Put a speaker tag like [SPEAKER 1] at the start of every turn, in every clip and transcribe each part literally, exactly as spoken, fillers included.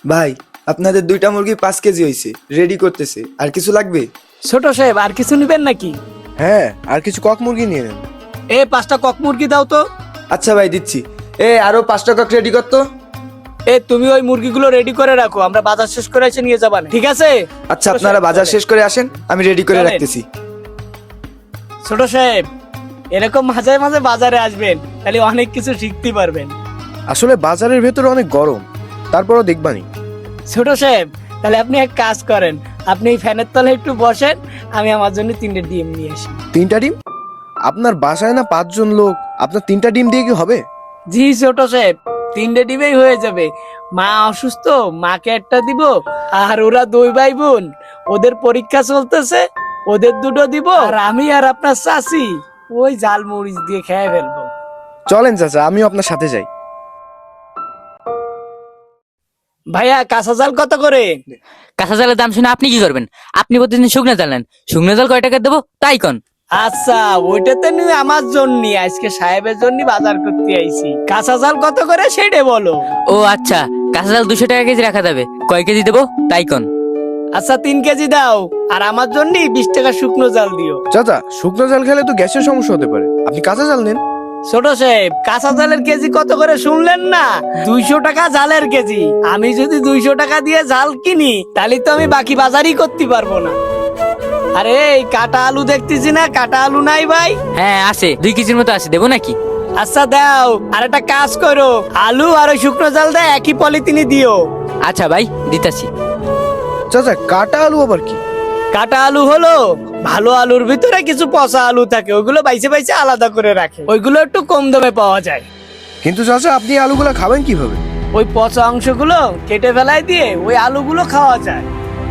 [SPEAKER 1] ভাই, আপনাদের দুইটা মুরগি পাঁচ কেজি হয়েছে, রেডি করতেছে। আর কিছু লাগবে?
[SPEAKER 2] ছোট সাহেব আর কিছু নিবেন নাকি?
[SPEAKER 3] হ্যাঁ, আর কিছু কক মুরগি নিয়ে নেন।
[SPEAKER 2] এ পাঁচটা কক মুরগি দাও তো।
[SPEAKER 1] আচ্ছা ভাই, দিচ্ছি। এ আরো পাঁচটা কক রেডি করতো।
[SPEAKER 2] এ তুমি ওই মুরগিগুলো রেডি করে রাখো, আমরা বাজার শেষ করে এসে নিয়ে যাবানে, ঠিক আছে?
[SPEAKER 1] আচ্ছা, আপনারা বাজার শেষ করে আসেন, আমি রেডি করে
[SPEAKER 2] চলেন।
[SPEAKER 1] রাখতেছি।
[SPEAKER 2] ছোট সাহেব, এরকম মাঝে মাঝে বাজারে আসবেন, তাহলে অনেক কিছু শিখতে পারবেন।
[SPEAKER 3] আসলে বাজারের ভেতরে অনেক গরম, তারপরও দেখবানি।
[SPEAKER 2] ছোট সাহেব, তাহলে আপনি এক কাজ করেন, আপনি এই ফ্যানের তলে একটু বসেন, আমি আমার জন্য তিনটে ডিম নিয়ে আসি।
[SPEAKER 3] তিনটা ডিম? আপনার বাসায় না পাঁচজন লোক, আপনার তিনটা ডিম দিয়ে কি হবে?
[SPEAKER 2] জি ছোট সাহেব, তিনটে ডিমেই হয়ে যাবে। মা অসুস্থ, মাকে একটা দিব, আর ওরা দুই ভাই বোন, ওদের পরীক্ষা চলতেছে, ওদের দুটো দিব, আর আমি আর আপনার চাচি ওই জাল মরিচ দিয়ে খেয়ে ফেলবো।
[SPEAKER 3] চলেন চাচা, আমিও আপনার সাথে যাই।
[SPEAKER 2] ভাইয়া কাঁচা জাল কত করে?
[SPEAKER 4] কাঁচা জালের দাম শুনে আপনি কি করবেন? আপনি প্রতিদিন শুকনো জাল নেন, শুকনো জাল কয় টাকা দেবো তাই কন।
[SPEAKER 2] আচ্ছা, ওইটাতে নিয়ে আমার জন্য আজকে সাহেবের জন্য বাজার করতে আইছি। কাঁচা জাল কত করে সেটা বলো।
[SPEAKER 4] ও আচ্ছা, কাঁচা জাল দুশো টাকা কেজি রাখা যাবে, কয় কেজি দেবো তাই কন।
[SPEAKER 2] আচ্ছা তিন কেজি দাও, আর আমার জন্য বিশ টাকা শুকনো জাল দিও।
[SPEAKER 3] চাচা, শুকনো জাল খেলে তো গ্যাসের সমস্যা হতে পারে, আপনি কাঁচা জাল নেন।
[SPEAKER 2] ছোট সাহেব, কাঁচা জালের কেজি কত করে শুনলেন না? দুইশো টাকা জালের কেজি। আমি যদি দুইশো টাকা দিয়ে জাল কিনি, তাহলে তো আমি বাকি বাজারই করতে পারবো না। আরে এই কাটা আলু দেখতেছি না, কাটা আলু নাই ভাই?
[SPEAKER 4] হ্যাঁ আছে, দুই কেজির মতো আছে, দেবো নাকি?
[SPEAKER 2] আচ্ছা দাও, আর একটা কাজ করো, আলু আর ওই শুকনো জাল দেয় একই পলিথিনে দিও।
[SPEAKER 4] আচ্ছা ভাই, দিতাছি।
[SPEAKER 3] চাচা, কাটা আলু আবার কি?
[SPEAKER 2] কাটা আলু হলো ভালো আলুর ভিতরে কিছু পচা আলু থাকে, ওইগুলো বাইছে বাইছে আলাদা করে রাখে, ওইগুলো একটু কম দামে পাওয়া যায়।
[SPEAKER 3] কিন্তু চাচা, আপনি এই আলুগুলো খাবেন কিভাবে?
[SPEAKER 2] ওই পচা অংশগুলো কেটে ফেলাই দিয়ে ওই আলুগুলো খাওয়া যায়।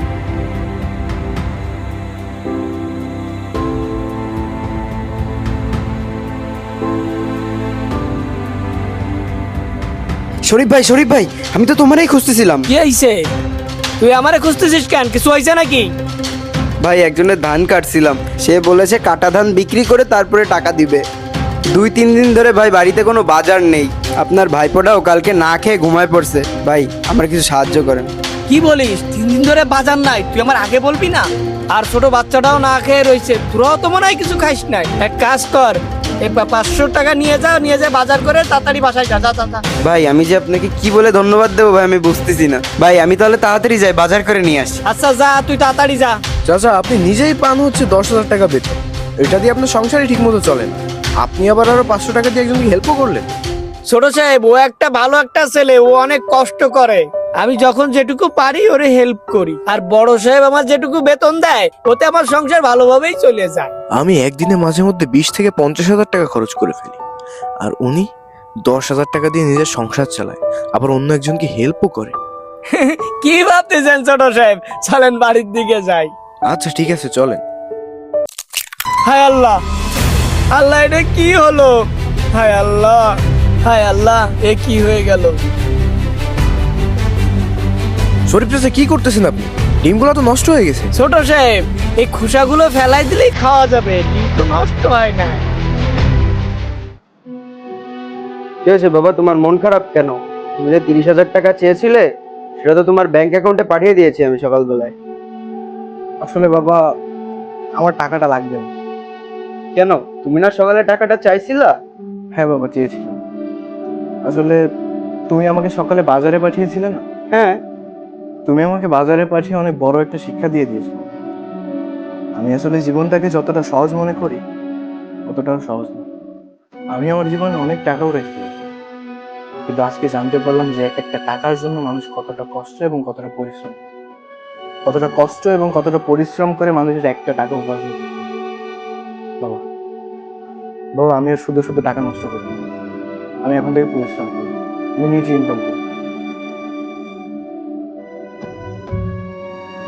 [SPEAKER 1] শরীফ ভাই, শরীফ ভাই, আমি তো তোমারই খুঁজতেছিলাম।
[SPEAKER 2] কি হইছে? তুই আমারে খুঁজতেছিস কেন? কিছু হয়েছে নাকি?
[SPEAKER 1] ভাই, একজনের ধান কাটছিলাম, সে বলেছে কাটা ধান বিক্রি করে তারপরে টাকা দিবে। দুই তিন দিন ধরে ভাই বাড়িতে কোনো বাজার নেই, আপনার ভাইপোটাও কালকে না খেয়ে ঘুমায় পড়ছে। ভাই, আমার কিছু সাহায্য করেন।
[SPEAKER 2] কি বলিস? তিন দিন ধরে বাজার নাই? তুই আমার আগে বলবি না? আর ছোট বাচ্চাটাও না খেয়ে রয়েছে, তোরাও তো মনে হয় কিছু খাইস নাই। এক কাজ কর, এই পা- পাঁচশো টাকা নিয়ে যা, নিয়ে যা বাজার করে তাড়াতাড়ি বাসায় যা, যা যা, যা।
[SPEAKER 1] ভাই, আমি যে আপনাকে কি বলে ধন্যবাদ দেবো ভাই, আমি বুঝতেছি না। ভাই, আমি তাহলে তাড়াতাড়ি যাই, বাজার করে নিয়ে আসি।
[SPEAKER 2] আচ্ছা যা, তুই তাড়াতাড়ি যা।
[SPEAKER 3] চাচা, আপনি নিজেই পান হচ্ছে দশ হাজার টাকা বেতন, এটা দিয়ে আপনার সংসারই ঠিক মতো চলে না, আপনি আবার আরো পাঁচশো টাকা দিয়ে একজনকে হেল্পও করলেন।
[SPEAKER 2] ছোট সাহেব, ও একটা ভালো একটা ছেলে, ও অনেক কষ্ট করে, আমি যখন যেটুকু পারি ওরে হেল্প করি। আর বড় সাহেব আমার যেটুকু বেতন দেয়, ওতে আমার সংসার ভালোভাবেই চলে যায়।
[SPEAKER 3] আমি একদিনে মাঝে মধ্যে বিশ থেকে পঞ্চাশ হাজার টাকা খরচ করে ফেলি, আর উনি দশ হাজার টাকা দিয়ে নিজের সংসার চালায়, আবার অন্য একজনকে হেল্পও করে।
[SPEAKER 2] কি ভাবতেছেন ছোট সাহেব? চলেন বাড়ির দিকে যাই।
[SPEAKER 3] আচ্ছা ঠিক আছে, চলেন।
[SPEAKER 2] হায় আল্লাহ, আল্লাহ এটা কি হলো? হায় আল্লাহ, হায় আল্লাহ, এ কি হয়ে গেল?
[SPEAKER 3] শরীফ চাচা, কি করতেছেন আপনি? ডিমগুলো তো নষ্ট হয়ে গেছে।
[SPEAKER 2] ছোট সাহেব, এই খোসাগুলো ফেলাই দিলেই খাওয়া যাবে, ডিম তো নষ্ট হয় না।
[SPEAKER 5] কি হয়েছে বাবা, তোমার মন খারাপ কেন? তুমি যে তিরিশ হাজার টাকা চেয়েছিলে, সেটা তো তোমার ব্যাংক অ্যাকাউন্টে পাঠিয়ে দিয়েছি আমি সকালবেলায়।
[SPEAKER 6] আসলে বাবা, আমার টাকাটা লাগবে না।
[SPEAKER 5] কেন, তুমি না সকালে টাকাটা চাইছিলা?
[SPEAKER 6] হ্যাঁ বাবা, চেয়েছিলাম। আসলে তুমি আমাকে সকালে বাজারে পাঠিয়েছিলে না?
[SPEAKER 5] হ্যাঁ।
[SPEAKER 6] তুমি আমাকে বাজারে পাঠিয়ে অনেক বড় একটা শিক্ষা দিয়ে দিয়েছো। আমি আসলে জীবনটাকে যতটা সহজ মনে করি, অতটাও সহজ না। আমি আমার জীবনে অনেক টাকাও রেখে দিয়েছি, কিন্তু আজকে জানতে পারলাম যে এক একটা টাকার জন্য মানুষ কতটা কষ্ট এবং কতটা পরিশ্রম কতটা কষ্ট এবং কতটা পরিশ্রম করে মানুষের একটা টাকা উপার্জন করে। বাবা, বাবা, আমি আর শুধু শুধু টাকা নষ্ট করি না। আমি এখন থেকে পরিশ্রম করি, আমি নিজে ইনকাম করি।